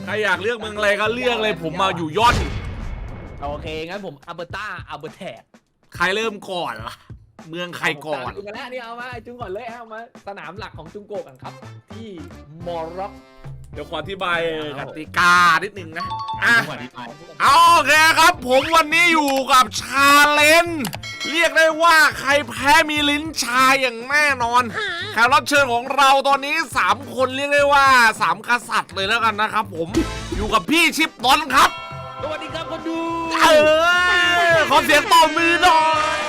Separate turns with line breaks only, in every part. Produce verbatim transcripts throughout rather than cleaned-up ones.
รอยากเลือกเมืองอะไรก็เลือกเลยผมมาอยู่ย่อน
โอเคงั้นผมอัลเบอร์ตาอัลเบอร์แทก
ใครเริ่มก่อนล่ะเมืองใครก่อน
จุงกันแล้วนี่เอามาจุงก่อนเลยเอามาสนามหลักของจุงโกะกันครับที่มอร็อก
เดี๋ยวขออธิบายกติกานิดนึงนะอ่ะ
เอา
โอเคครับผมวันนี้อยู่กับชาเลนจ์เรียกได้ว่าใครแพ้มีลิ้นชาอย่างแน่นอนแขกรับเชิญของเราตอนนี้สามคนเรียกได้ว่าสามกษัตริย์เลยแล้วกันนะครับผมอยู่กับพี่ชิปดอนครับ
สวัสดีครับคนดู
เออขอเสียงตบมือหน่อย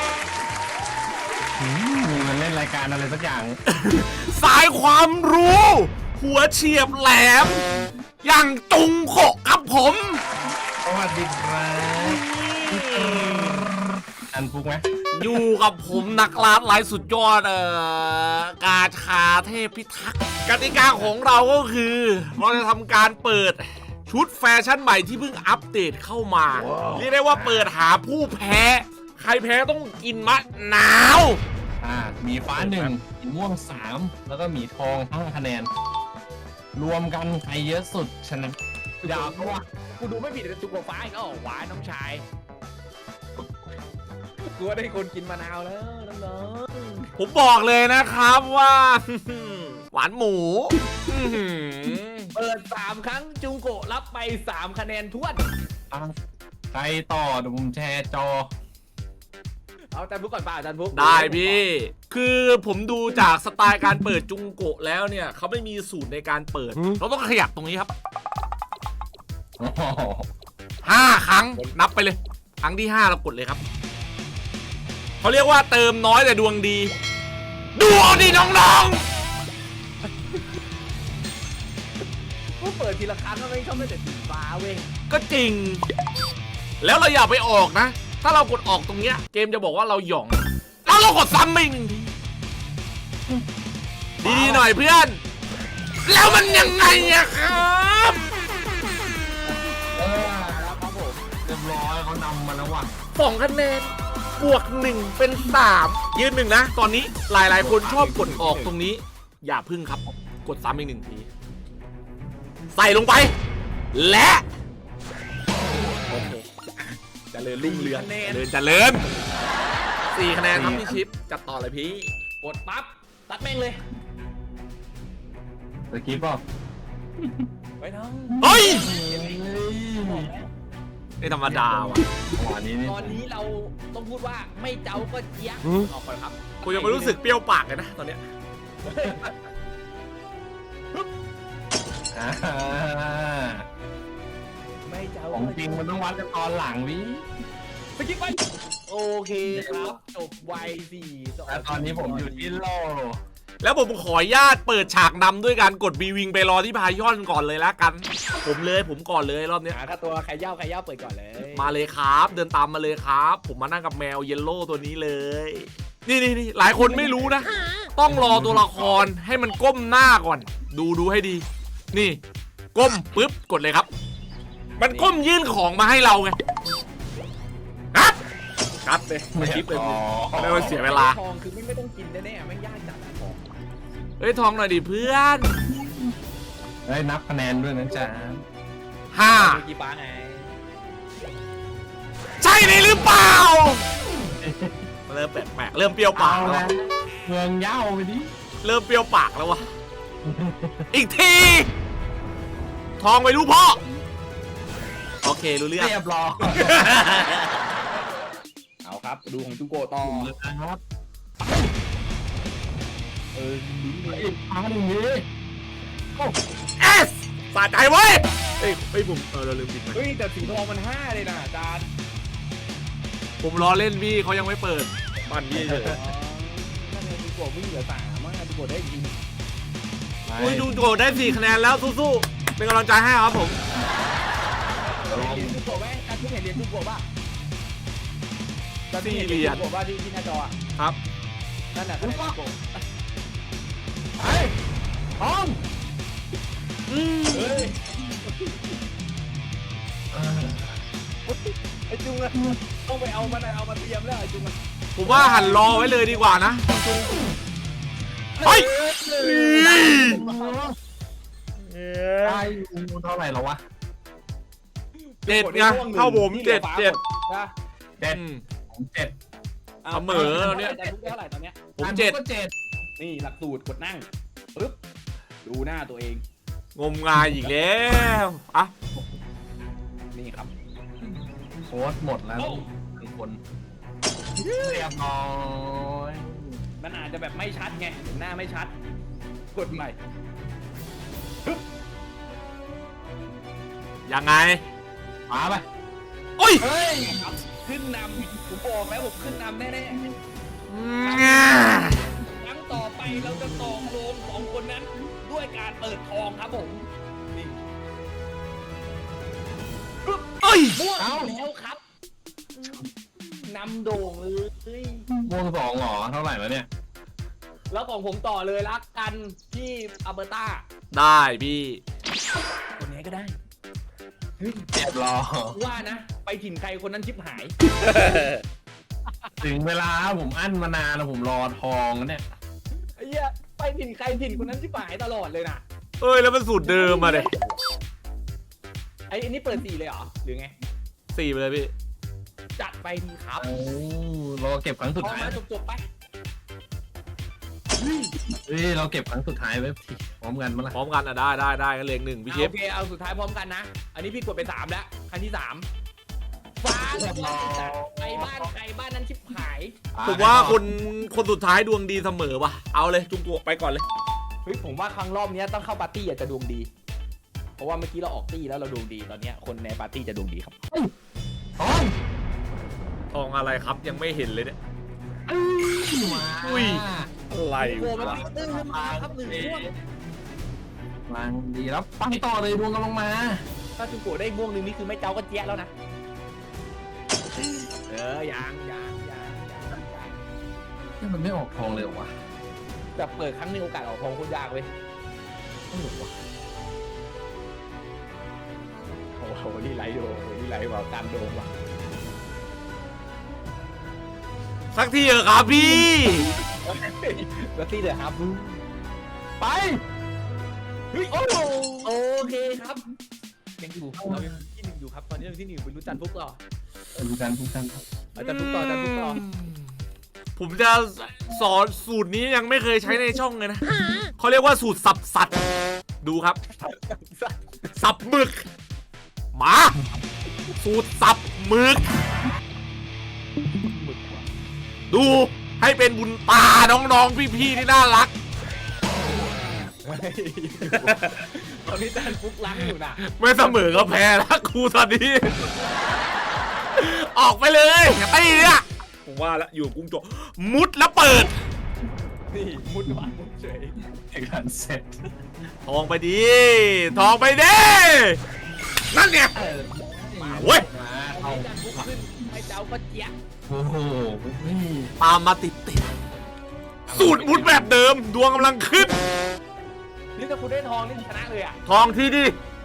มันเล่นรายการอะไรสักอย่าง
สายความรู้หัวเฉียบแหลมอย่างจุงโขะครับผม
สวัสดีครับอันฟุกไหม
อยู่กับผมนักล่าหลายสุดยอดเอ่อกาชาเทพพิทักษ์กติกาของเราก็คือเราจะทำการเปิดชุดแฟชั่นใหม่ที่เพิ่งอัปเดตเข้ามาเรียกได้ว่าเปิดหาผู้แพ้ใครแพ้ต้องกินมะนาว
อ่ามีฟ้าหนึ่งมีม่วงสามแล้วก็มีทองห้าคะแนนรวมกันใครเยอะสุดชนะ
อย่าเพราะว่ากูดูไม่ผิดแต่จุกฟ้าอีกแล้วหวานน้องชายกูว่าได้คนกินมะนาวแล้วน้อง
ๆผมบอกเลยนะครับว่าหวานหมู
เปิดสามครั้งจุงโกะรับไปสามคะแนนท้วน
ใครต่อเดี๋ยวผมแชร์จอ
เอาอาจารย์พุกก่อนป่ะอาจารย์พุก
ได้พี่คือผมดูจากสไตล์การเปิดจุงโกะแล้วเนี่ยเขาไม่มีสูตรในการเปิดเราต้องขยับตรงนี้ครับห้าครั้งนับไปเลยครั้งที่ห้าเรากดเลยครับเขาเรียกว่าเติมน้อยแต่ดวงดีดวงดีน้อง
ๆก็เปิดทีละครั้งก็ไม่ชอบไม่แต่สีฟ้าเว้ย
ก็จริงแล้วเราอย่าไปออกนะถ้าเรากดออกตรงเนี้ยเกมจะบอกว่าเราหย่องแล้วเรากดซ้ำอีกหนึ่งทีดีๆหน่อยเพื่อนแล้วมันยังไงอะครับ
เออแล้วครับผมเรียบร้อยเขานำมาแล้วว่ะ
สองคะแนนบวกหนึ่งเป็นสามยืนหนึ่งนะตอนนี้หลายๆคนชอบกดออกตรงนี้อย่าพึ่งครับกดซ้ำอีกหนึ่งทีใส่ลงไปและโอเคเจริญรุ่งเรืองเจริญเจริญสี่คะแนนครับพี่ชิปจัดต่อเลยพี่
กดปั๊บตัดแม่งเลย
ตะกี้ป่ะ
ไว้น้อง
เฮ้ยไม่ธรรมดาว่ะ
ตอนนี้เราต้องพูดว่าไม่เจ้าก็เจี๊ยบออกก่อนครับ
กูยังไม่รู้สึกเปรี้ยวปากเลยนะตอนเนี้ย
ไม่เจ้า
ของจริงมันต้องวัดกันตอนหลังวิ
สกิปไปโอเคครับจบไวสี่
แล้วตอนนี้ผมอยู่ที่โล
แล้วผมขออนุญาตเปิดฉากนำด้วยการกดบีวิงไปรอที่พายอนก่อนเลยละกันผมเลยผมก่อนเลยรอบนี้
ถ้าตัวใครเย่าใครเย่าเปิดก่อนเลย
มาเลยครับเดินตามมาเลยครับผมมานั่งกับแมวเยลโล่ตัวนี้เลยนี่นี่นี่หลายคนไม่รู้นะต้องรอตัวละครให้มันก้มหน้าก่อนดูดูให้ดีนี่ก้มปุ๊บกดเลยครับมันก้มยื่นของมาให้เราไงครับครับเลยมาชิปเลยไม่ต้องเสียเวลา
ทองคือไม่ไม่ต้องกินแน่ๆไม่ยากจัดทอง
เฮ้ยทองหน่อยดิเพื่อน
ได้นับคะแนนด้วยนะจ๊ะ
ห้า
กี่ป้าไง
ใช่เลยหรือเปล่าเริ่มแปลกๆเริ่มเปรี้ยวปากแล้ว
เมืองเย้าไปดิ
เริ่มเปรี้ยวปากแล้ววะอีกทีทองไปรู้พ่อโอเครู้เรื่อง
เรียบร้อย
เอาครับดูของจุโกะต่อ
ครับ
เออ
อีกครั้งหนึ่งนี้
เอสสะใจเว้ยเฮ้ยเฮ้ยผมเออเราลืมปิดไป
เฮ้ยแต่สีทองมันห้าเลยนะอาจารย์
ผมรอเล่นพี่เขายังไม่เปิดปั่นพี่เลย
นั่นเองจุโกะวิ่งเหลือสามอ่ะจุโกะได้ยิง
อุ้ยจุโกะได้สี่คะแนนแล้วสู้ๆเป็นกำลังใจให้ครับผม
เรียนจุโกะไหมการที่เห็นเรียนจุโกะป่ะการที่เห็นเรียนจุโกะป่ะที่ที่หน้าจออ่ะ
ครับ
นั่นแหละคะแนนจุโกะ
ไอ้ทอง
เฮ้ยไอ้จุงอะต้องไปเอามันเอามาเตรียมแล้วไอ้จุงอะ
ผมว่าหันรอไว้เลยดีกว่านะจุงเฮ้ย
ได้เท่าไหร่แล้ววะ
เจ็ดไงเข้าผมเจ็ดเจ็ด
นะ
เจ็ด
อืม
ผมเจ็ด
เสมอแล้วเนี่ย
แต่ทุกเท่าไหร่ตอนเนี้ย
ผมเจ็ด
ก็เจ็ด
นี่หลักสูตรกดนั่งปึ๊บดูหน้าตัวเอง
งมงายอีกแล้วอ่ะ
นี่ครับ
โค้ดหมดแล้วทุกคนเรียบร้อย
มันอาจจะแบบไม่ชัดไงเห็นหน้าไม่ชัด กดใหม่
ยังไง
มาไป
โอ้ย
เฮ้ย
ครับขึ้นนำผมบอกแล้วผมขึ้นนำแน่ๆครั้งต่อไปเราจะตอกโลงสองคนนั้น ด้วยการเปิดทองครับผมนี่
เอ้ย
ม่วงแล้วครับนำโด่งเลย
ม่วงสองเหรอเท่าไหร่แล้วเนี่ย
แล้วของผมต่อเลยรักกันที่อัลเบอร์ตา
ได้พี่
คนนี้ก็ได้
เจ็บรอ
ว่านะ ไปถิ่นใครคนนั้นชิบหาย
ถึงเวลาผมอั้นมานานแล้วผมรอทองแล้วเนี่ย
ไอ้เหี้ยไปถิ่นใครถิ่นคนนั้นชิบหายตลอดเลยนะ
เอ้ยแล้วมันสูตรเดิมมาเลย
ไอ้อันนี้เปิดสี่เลยเหรอหรือไง
สี่ไปเลยพี่
จัดไปดีครับ
โอ้รอเก็บครั้งสุด
พอ
ท้าย
มาจบๆไป
เฮ้ยเราเก็บครั้งสุดท้ายไว้พร้อมกันมั้ยล่ะ
พร้อมกันอ่ะได้ได้ได้กันเลงหนึ่งพี่เชฟ
โอเคเอาสุดท้ายพร้อมกันนะ อันนี้พี่กดไปสามแล้วคันที่สามฟ้ากับฟ้าไปบ้านใครบ้านนั้นชิบหาย
ผมว่าคนคนสุดท้ายดวงดีเสมอว่ะเอาเลยจุงตัวไปก่อนเลย
เฮ้ยผมว่าครั้งรอบนี้ต้องเข้าปาร์ตี้อาจจะดวงดี เพราะว่าเมื่อกี้เราออกตี้แล้วเราดวงดีตอนเนี้ยคนในปาร์ตี้จะดวงดีครับ
ทอง
ทองอะไรครับยังไม่เห็นเลยเนี่ย
มา
อุ้ย อะไร
โอ้มัน
วะ
มีตื้นขึ้นมาครับหนึ่งม่วง
ลังดีแล้วไปต่อเลยดวงกำลังมา
ถ้าจุงโกะได้ม่วงหนึ่งนี่คือไม่เจ้าก็เจี๊ยะแล้วนะ เออยังยังยังยังยัง
นี่มันไม่ออกทองเลยเหรอวะ
แต่เปิดครั้งหนึงโอกาสออกทองโคตรยากเว้ย
เออวะ
โอ้โหนี่ไหลโดโอ้โหนี่ไหลว่ะการโดว่ะ
สักทีเถอะครับพี่
แล้วตี้เลยครับ
ไป
เฮ้ยโอ้โหโอเคครับยังอยู่เรายังที่หนึ่งอยู่ครับตอนนี้เราที่หนึ่งเป็นรู้จันทร์ฟุกต่อ
ดูกันดูกัน
อาจารย์ฟุกต่ออาจารย์ฟุกต่อ
ผมจะสอนสูตรนี้ยังไม่เคยใช้ในช่องเลยนะเขาเรียกว่าสูตรสับสัตว์ดูครับ สับหมึกมา สูตรสับหมึก ดูให้เป็นบุญตาน้องๆพี่ๆที่น่ารัก
ตอนนี้อาจารย์ฟุกล้างอยู่นะ
ไม่เสมอก็แพ้แล้วครูตอนนี้ ออกไปเลยไอ้เนี่ยผมว่าแล้วอยู่กับกุ้งโจกมุดแล้วเปิด
นี่มุดหวานมุดเฉย
เอกการเสร็จ
ทองไปดีทองไปดินั่นเนี่ย
เออ
มาเว้ย
มา
ตอน
เอา
นี้อาจารย์ฟุกขึ้นให้เจ้าก็เจี๊ยะ
โอ้โหนี่
ตามมาติดติดๆสูตรมุดแบบเดิมดวงกำลังขึ้น
นี่ถ้าคุณได้ทองนี่ชนะเลยอ่ะ
ทองที่ดี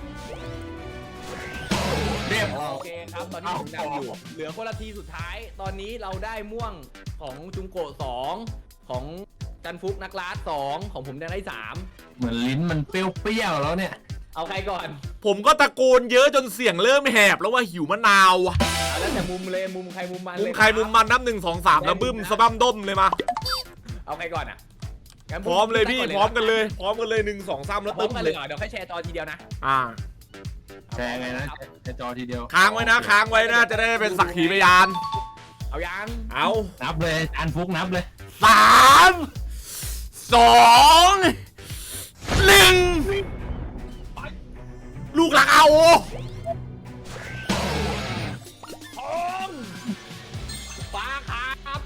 เรียบ
โอเคครับตอนนี้ผมนำอยู่เหลือคนละทีสุดท้าย ตอนนี้เราได้ม่วงของจุงโกะสองของจันฟุกนักลาสสองของผมยังได้สาม
เหมือนลิ้นมันเปรี้ยวๆแล้วเนี่ย
เอาใครก่อน
ผมก็ตะโกนเยอะจนเสียงเริ่มแหบแล้วว่าหิวมะนาวอะ
เอาแล้วแต่มุมเลยมุมใครมุมมัน
มุ
เล
ม
ย
ใครมุมมันนับหนึ่งสองสามแล้วบึ้มสะบั้มด้มเลยมา
เอาใครก่อนอ่ะงั้น
พร้อมเลยพี่พร้อมกันเลย พร้อมกันเลยหนึ่งสองสามแล้ว
พร้อ
ตึ้
ม
ม
กันเล
เลย ย
เหรอเดี๋ยวค่อยแชร์จอทีเดียวนะ
อ่า
แชร์ไงนะแชร์จอทีเดียว
ค้างไว้นะค้างไว้นะจะได้เป็นสักขีพยาน
เอายัง
เอา
นับเลยอันฟุกนับเลย
สามสองหนึ่งลูกหลักเอา
ทองฟ้าครับ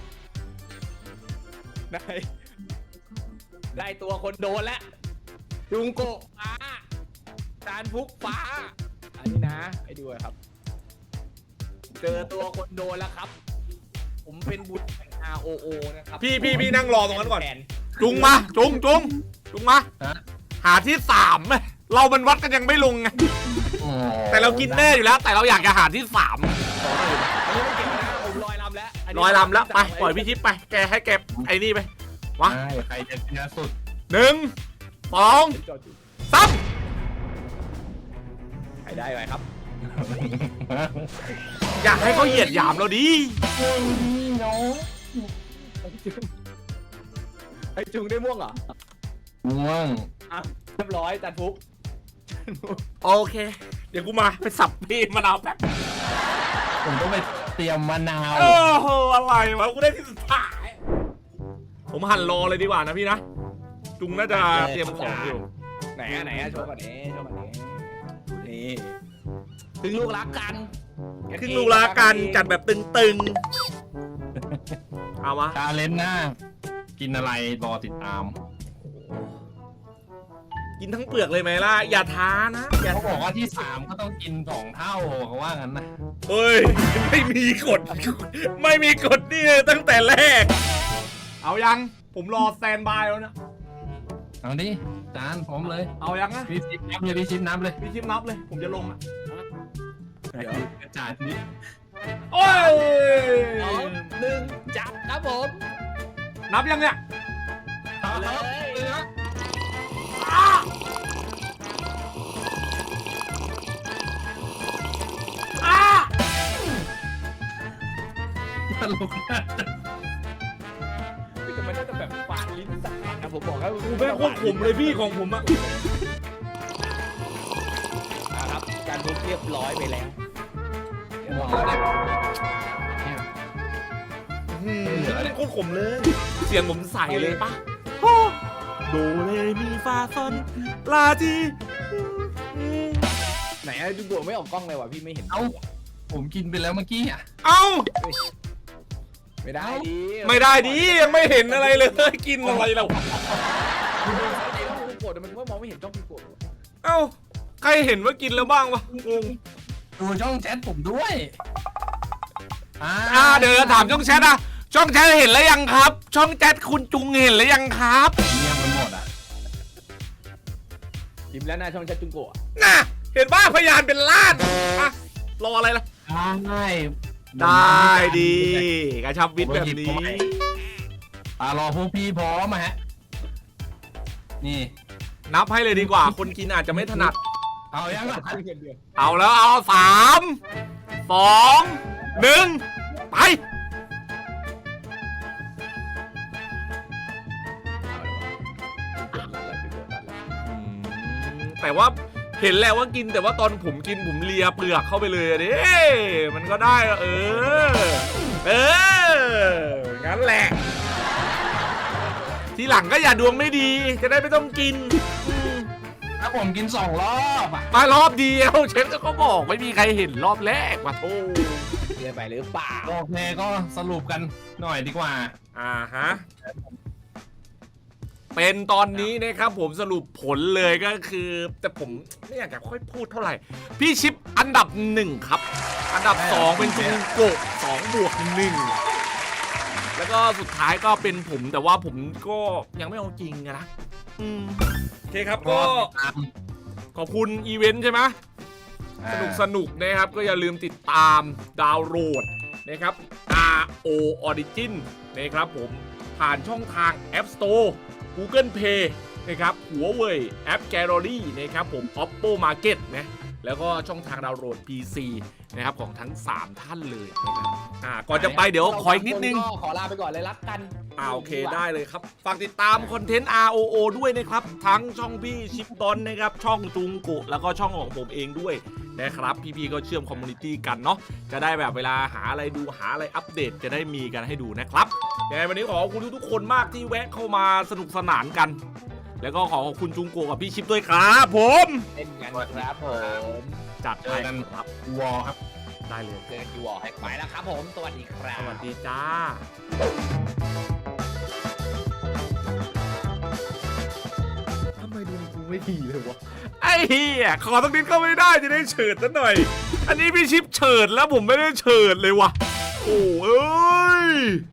ได้ได้ตัวคนโดนแล้วจุงโกะฟ้าจานฟุกฟ้าอันนี้นะให้ดูครับ เจอตัวคนโดนแล้วครับ ผมเป็นบุตรแห่ง อาร์ โอ โอ นะครับ
พี่พี่พี่นั่งรอตรงนั้นก่อน
แท
จุงมาจุงจุงจุงมา
ฮะ
หาที่สามไหมเรามันวัดกันยังไม่ลงไง
อ๋อ
แต่เรากินแน่อยู่แล้ว แต่เราอยากจะหาที่สาม
อันนี้ไม่เก็บนะผมลอยลำแล้วนนี้
ลอยลำแล้วไปปล่อยพี่ทิพย์ไปแกให้แกไอ้นี่ไปวะ
ใช่ใครจะชนะสุด
หนึ่งสอง
จอดอยู่
สาม
รได้ไหมครับ
อยากให้เขาเหยียดหยามเราดิ
น้อง
ไอ้จุงได้ม่วงเหรอ
ม่วง
อ่ะเรียบร้อยจันฟุก
โอเค เดี๋ยวกูมาไปสับพี่มะนาวแป๊บ
ผมต้องไปเตรียมมะนาว
โอ้โหอะไรวะกูได้ที่สุดท้ายผมหั่นรอเลยดีกว่านะพี่นะจุงน่าจะเตรียมของอยู่
ไหนอะไหนอะโชว์ก่อนนี้โชว์ก่อนนี้นี่ถึงลูกรักกัน
ครึ่งลูกละกันจัดแบบตึงๆเอามา
ชาเลนจ์หน้ากินอะไรรอติดตาม
กินทั้งเปลือกเลยไหมล่ะอย่าท้านะอย่า
เขาบ
ท้า
อกว่าที่สามก็ต้องกินสองเท่าเขาว่างั้นนะ
เฮ้ยไม่มีกฎไม่มีกฎนี่ตั้งแต่แรก เอายังผมรอสแตนบายแล้วนะ
เอาดิจานพร้อมเลย
เอายังนะ
พี่ชิปนับเลยพี่ชิปนับเลย
พี่ชิมนับเลย ผมจะลงอ่ะ
เดี๋ยว
จานนี้
โอ้ย
สองหนึ่งจับครับผม
นับยังเนี่ย
เอาเลย
อ้าอ้า
ตลกนะ
แต่มันน่าจะแบบฝาดลิ้นสักนิดนะผมบอกแล้ว
กูเป็นโคตรขมเลยพี่ของผมอะ
อ่ะครับการทุบเรียบร้อยไปแล้วเรียบ
หม
ร้
ด
อย
แล้ว
แล้ว
เนี่ย
อืมโคตรขมเลย เสียงผมใสเลยปะโอ้โดเรมีฟาซอนลาทีอืม
ไหนอะจุงโกะไม่ออกกล้องเลยว่ะพี่ไม่เห็น
เอ้าผมกินไปแล้วเมื่อกี้อ่ะ
เอ้า
ไม่ได้ดิ
ไม่ได้ดิยังไม่เห็นอะไรเลยกินอะไรเรา
จุงโกะแต่มันว่ามองไม่เห็นจ้องจุงโกะ
เอ้าใครเห็นว่ากินแล้วบ้างวะงง
ดูช่องแชทผมด้วยอ่า
อ่าเดี๋ยวถามช่องแชทอะช่องแชทเห็นแล้วยังครับ ช่องแชทคุณจุงเห็นแล้วยังครับ
เงียบมันหมดอ่ะ
ยิ้มแล้วหน้าช่องชัดจุงโกะ
น่ะเห็นว่าพยานเป็นล้านอะรออะไรล่ะ
ได้
ได้ดีกระชับวิทย์แบบนี้
อ่ารอพวกพี่พร้อมมาฮะนี่
นับให้เลยดีกว่า คนกินอาจจะไม่ถนัด
เอายังล่ะ
เอาแล้วเอาสามสองหนึ่งไปอืมแต่ว่าเห็นแล้วว่ากินแต่ว่าตอนผมกินผมเลียเปลือกเข้าไปเลยอะดิมันก็ได้อะเออ เออ งั้นแหละ ทีหลังก็อย่าดวงไม่ดี จะได้ไม่ต้องกินอืม
ถ้าผมกินสองรอบอ่ะ
มารอบเดียวเชฟก็บอกไม่มีใครเห็นรอบแรกว่ะโธ่
เรียนไปหรือเปล่า
โอเคก็สรุปกันหน่อยดีกว่า
อ่าฮะ เป็นตอนนี้นะครับผมสรุปผลเลยก็คือ แต่ผมไม่อยากจะค่อยพูดเท่าไหร่ พี่ชิปอันดับหนึ่งครับ อันดับสองเป็นจุงโกะสองบวกหนึ่งแล้วก็สุดท้ายก็เป็นผมแต่ว่าผมก็ยังไม่เอาจริงอะนะอืมโอเคครับก็
ตาม
ขอบคุณอีเวนต์ใช่ไหม สนุกสนุกนะครับก็อย่าลืมติดตามดาวน์โหลดนะครับ อาร์ โอ Origin นะครับผมผ่านช่องทาง App Store Google Play นะครับ Huawei App Gallery นะครับผม Oppo Market นะแล้วก็ช่องทางดาวน์โหลด พี ซี นะครับของทั้งสามท่านเลยนะครับอ่าก่อนจะไปเดี๋ยวขออีกนิดนึง
ก็ขอลาไปก่อนเลยรักกัน
อ่าโอเคได้เลยครับ ฝากติดตามคอนเทนต์ อาร์ โอ โอ ด้วยนะครับ ทั้งช่องพี่ชิปดอนนะครับ ช่องจุงโกะแล้วก็ช่องของผมเองด้วยนะครับ พี่ๆก็เชื่อมคอมมูนิตี้กันเนาะจะได้แบบเวลาหาอะไรดูหาอะไรอัปเดตจะได้มีกันให้ดูนะครับยังไงวันนี้ขอขอบคุณทุกๆคนมากที่แวะเข้ามาสนุกสนานกัน แล้วก็ขอขอบคุณจุงโกะกับพี่ชิปด้วยครับผม
เล่นกันครับผม
จัด
เจ
ไป
อกัน
ครับ
วอลครับ
ได้เลย
เจอกันที่วอลให้ไปแล้วครับผม สวัสดีครับ
สวัสดีจ้าทำไมดูกูไม่ดีเลยวะไอ้เหี้ยขอต้องนิดก็ไม่ได้จะได้เฉิดซะหน่อย อันนี้พี่ชิปเฉิดแล้วผมไม่ได้เฉิดเลยวะโอ้เอ้ย